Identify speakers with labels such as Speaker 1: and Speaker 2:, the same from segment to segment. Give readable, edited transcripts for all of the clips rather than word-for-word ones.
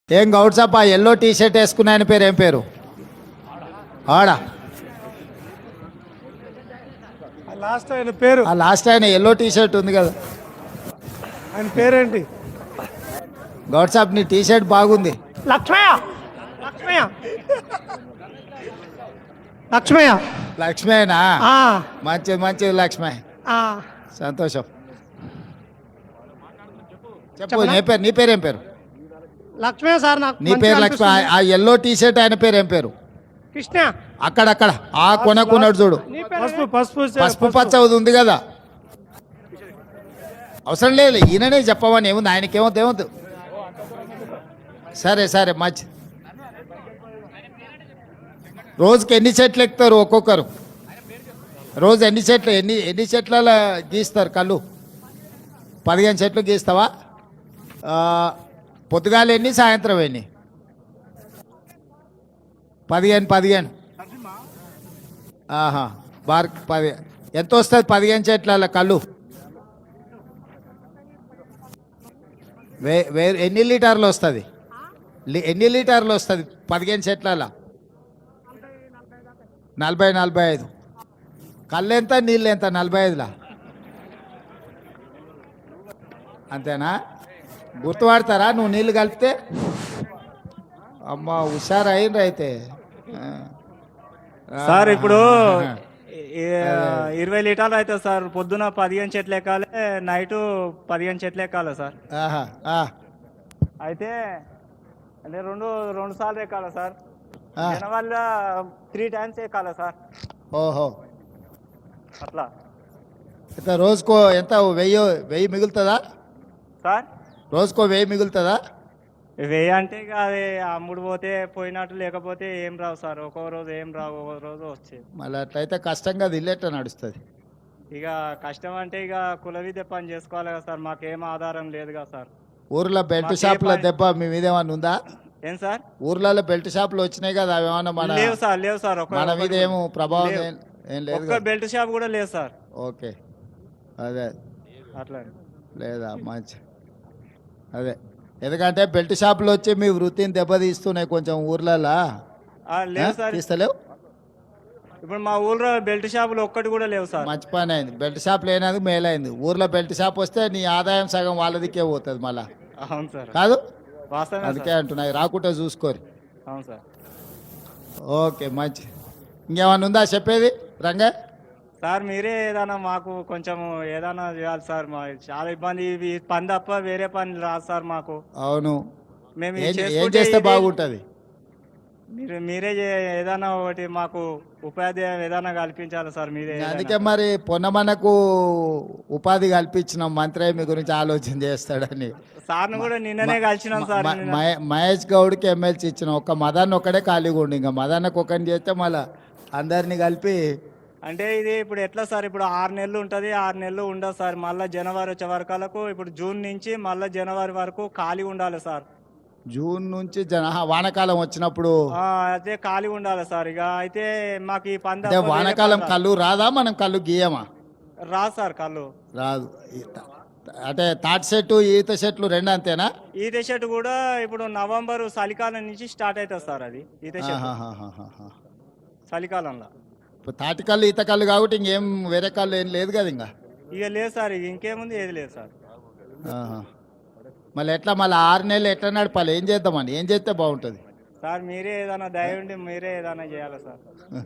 Speaker 1: ఏం గౌడ్ సాబ్ ఆ yellow T shirt వేసుకున్న ఆయన పేరు ఏం పేరు? ఆడా
Speaker 2: లాస్ట్ ఆయన పేరు,
Speaker 1: ఆ లాస్ట్ ఆయన ఎల్లో టీ షర్ట్ ఉంది కదా,
Speaker 2: ఆయన పేరేంటి?
Speaker 1: గౌడ్ సాబ్ నీ టీ షర్ట్ బాగుంది.
Speaker 2: లక్ష్మయ్య. లక్ష్మయ్య. లక్ష్మయ్య.
Speaker 1: లక్ష్మేనా?
Speaker 2: ఆ,
Speaker 1: మంచిది మంచిది లక్ష్మే,
Speaker 2: ఆ.
Speaker 1: సంతోషం. చెప్పు నీ పేరు ఏం పేరు?
Speaker 2: లక్ష్మయ్య సార్, నాకు
Speaker 1: నీ
Speaker 2: మంచిగా
Speaker 1: పేరు లక్ష్మి.
Speaker 2: అనిపిస్తుంది.
Speaker 1: ఆ ఎల్లో టీ షర్ట్ ఆయన పేరు ఏం పేరు?
Speaker 2: కృష్ణ.
Speaker 1: అక్కడక్కడ ఆ కొనకున్నాడు చూడు,
Speaker 2: నీ పేరు పసుపు పసుపు
Speaker 1: పసుపు పచ్చ ఉంది కదా. అవసరం లేదు, ఈయననే చెప్పమని ఏముంది, ఆయనకేమవుతుంది ఏమవుతుంది. సరే సరే మంచి. రోజుకి ఎన్ని చెట్లు ఎక్కుతారు ఒక్కొక్కరు? రోజు ఎన్ని చెట్లు ఎన్ని చెట్ల గీస్తారు కళ్ళు? 15 చెట్లు గీస్తావా? పొద్దుగాలు ఎన్ని, సాయంత్రం ఎన్ని? 15. ఆహా, బార్ 10. ఎంత వస్తుంది 15 చెట్ల కళ్ళు? ఎన్ని లీటర్లు వస్తుంది? ఎన్ని లీటర్లు వస్తుంది 15 చెట్ల? 40-45. కళ్ళు ఎంత, నీళ్ళు ఎంత? 45లా? అంతేనా? గుర్తుపడతారా నువ్వు నీళ్ళు కలిపితే? అమ్మ హుషారు అయిండ్రు అయితే.
Speaker 3: సార్ ఇప్పుడు 20 లీటర్లు అవుతుంది సార్. పొద్దున 15 చెట్లు ఎక్కాలి, నైట్ 15 చెట్లు ఎక్కాలి సార్.
Speaker 1: ఆహా,
Speaker 3: అయితే అంటే రెండు సార్లు ఎక్కాలి సార్.
Speaker 1: ఆ.
Speaker 3: వల్ల 3 టైమ్స్ ఎక్కాలి సార్.
Speaker 1: ఓహో,
Speaker 3: అట్లా
Speaker 1: ఎంత రోజుకో ఎంత? 1000 మిగులుతుందా
Speaker 3: సార్.
Speaker 1: రోజుకో 1000 మిగులుతుందా?
Speaker 3: వెయ్యి అంటే ఇక అది అమ్ముడు పోతే పోయినట్టు, లేకపోతే ఏం రావు సార్. ఒక్కో రోజు ఏం రావు, ఒక్కో రోజు వచ్చేది.
Speaker 1: మళ్ళీ అట్లయితే కష్టంగా ఇల్లేట నడుస్తుంది.
Speaker 3: ఇక కష్టం అంటే ఇక కుల విద్య పని చేసుకోవాలి కదా సార్. మాకేం ఆధారం లేదు కదా సార్.
Speaker 1: ఊర్లో బెల్ట్ షాపుల దెబ్బ మీ మీద ఏమన్నా ఉందా?
Speaker 3: ఏం సార్?
Speaker 1: ఊర్లలో బెల్ట్ షాపులు వచ్చినాయి కదా, అవి ఏమన్నా
Speaker 3: లేవు సార్, లేవు సార్.
Speaker 1: మన మీద ఏమో ప్రభావం
Speaker 3: లేవు.
Speaker 1: ఏం లేదు
Speaker 3: ఒక్క
Speaker 1: కదా?
Speaker 3: బెల్ట్ షాప్ కూడా లేదు సార్.
Speaker 1: ఓకే, అదే
Speaker 3: అట్లా
Speaker 1: లేదా మంచి. అదే, ఎందుకంటే బెల్ట్ షాపులు వచ్చి మీ వృత్తిని దెబ్బతీస్తున్నాయి కొంచెం ఊర్లలో.
Speaker 3: లేవు సార్.
Speaker 1: తీస్తలేవు?
Speaker 3: ఇప్పుడు మా ఊర్లో బెల్ట్ షాపులు ఒక్కటి కూడా లేవు సార్.
Speaker 1: మంచి పని అయింది, బెల్ట్ షాప్ లేనందుకు మేలైంది. ఊర్లో బెల్ట్ షాప్ వస్తే నీ ఆదాయం సగం వాళ్ళదికే పోతుంది మళ్ళా.
Speaker 3: అవును సార్,
Speaker 1: కాదు?
Speaker 3: వాస్తవమే
Speaker 1: అందుకే
Speaker 3: సార్.
Speaker 1: అంటున్నాయి, రాకుంటే చూసుకోరు.
Speaker 3: అవును సార్.
Speaker 1: ఓకే మంచి. ఇంకేమన్నా ఉందా చెప్పేది రంగా?
Speaker 3: సార్ మీరే ఏదైనా మాకు కొంచెం ఏదైనా చేయాలి సార్. మా చాలా ఇబ్బంది. ఈ పని తప్ప వేరే పని రాదు సార్ మాకు.
Speaker 1: అవును,
Speaker 3: మేము
Speaker 1: ఏం
Speaker 3: ఇది
Speaker 1: ఏం
Speaker 3: చేసుకుంటే
Speaker 1: చేస్తే
Speaker 3: ఇది-
Speaker 1: బాగుంటుంది?
Speaker 3: మీరే ఏదైనా ఒకటి మాకు ఉపాధి ఏదైనా కల్పించాలి సార్. మీరే
Speaker 1: అందుకే మరి పొన్నమనకు ఉపాధి కల్పించిన మంత్రి మీ గురించి ఆలోచన చేస్తాడని.
Speaker 3: సార్ను కూడా నిన్ననే కలిసినాం సార్. నిన్న.
Speaker 1: మహేష్ గౌడ్కి ఎమ్మెల్సీ ఇచ్చిన ఒక్క మదన్ ఒక్కడే ఖాళీగా ఉండి, ఇంకా మదన్నకు ఒకరిని చేస్తే మళ్ళీ అందరినీ కలిపి.
Speaker 3: అంటే ఇది ఇప్పుడు ఎట్లా సార్? ఇప్పుడు 6 నెలలు ఉంటుంది, 6 నెలలు ఉండదు సార్. మళ్ళీ జనవరి వచ్చే వరకు, ఇప్పుడు జూన్ నుంచి మళ్ళీ జనవరి వరకు ఖాళీ ఉండాలి సార్.
Speaker 1: జూన్ నుంచి వానాకాలం వచ్చినప్పుడు
Speaker 3: అదే ఖాళీ ఉండాలి సార్. ఇక అయితే మాకు ఈ పని
Speaker 1: అంటే
Speaker 3: తప్ప వేరే
Speaker 1: వానాకాలం
Speaker 3: పని
Speaker 1: కళ్ళు రాదా? మనం కళ్ళు గీయమా?
Speaker 3: రాదు సార్ కళ్ళు.
Speaker 1: రాదు. అంటే తాటి చెట్టు ఈత చెట్లు రెండు అంతేనా?
Speaker 3: ఈత చెట్టు కూడా ఇప్పుడు నవంబర్ చలికాలం నుంచి స్టార్ట్ అవుతుంది సార్. అది ఈత చెట్టు
Speaker 1: ఆహాహాహాహా.
Speaker 3: చలికాలంలో.
Speaker 1: ఇప్పుడు తాటి కళ్ళు ఈత కళ్ళు కాబట్టి ఇంకేం వేరే కళ్ళు ఏం లేదు కదా ఇంకా?
Speaker 3: ఇక లేదు సార్, ఇక ఇంకేముంది, ఏది లేదు సార్.
Speaker 1: ఆహా. మళ్ళీ ఎట్లా మళ్ళీ 6 నెలలు ఎట్లా నడపాలి? ఏం చేద్దామని, ఏం చేస్తే బాగుంటుంది?
Speaker 3: సార్ మీరే ఏదైనా దయ ఉండి మీరే ఏదైనా చేయాలి సార్.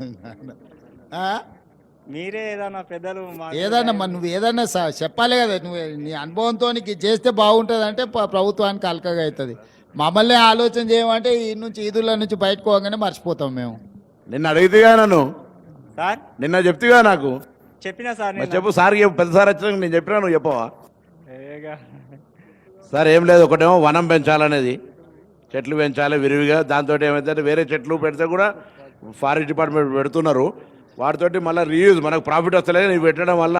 Speaker 1: ఆ?
Speaker 3: మీరే ఏదైనా పెద్దలు
Speaker 1: ఏదన్నా మరి నువ్వు ఏదన్నా చెప్పాలి కదా. నువ్వు నీ అనుభవంతో నీకు చేస్తే బాగుంటుంది అంటే ప్రభుత్వానికి అలకగా అవుతుంది. మమ్మల్ని ఆలోచన చేయమంటే ఈ నుంచి ఈదుల నుంచి బయటకు పోగానే మర్చిపోతాం మేము.
Speaker 4: నిన్న అడిగితేగా నన్ను,
Speaker 3: సార్
Speaker 4: నిన్న చెప్తిగా నాకు.
Speaker 3: చెప్పినా సార్
Speaker 4: మరి
Speaker 3: నేను.
Speaker 4: చెప్పు సార్, పెద్ద సార్ వచ్చినాక నేను చెప్పినా, నువ్వు చెప్పవా?
Speaker 3: ఏగా.
Speaker 4: సార్ ఏం లేదు, ఒకటేమో వనం పెంచాలనేది, చెట్లు పెంచాలి విరివిగా. దాంతో ఏమైతే వేరే చెట్లు పెడితే కూడా ఫారెస్ట్ డిపార్ట్మెంట్ పెడుతున్నారు. వాటితోటి మళ్ళీ రీయూజ్, మనకు ప్రాఫిట్ వస్తలేదు. నీవు పెట్టడం వల్ల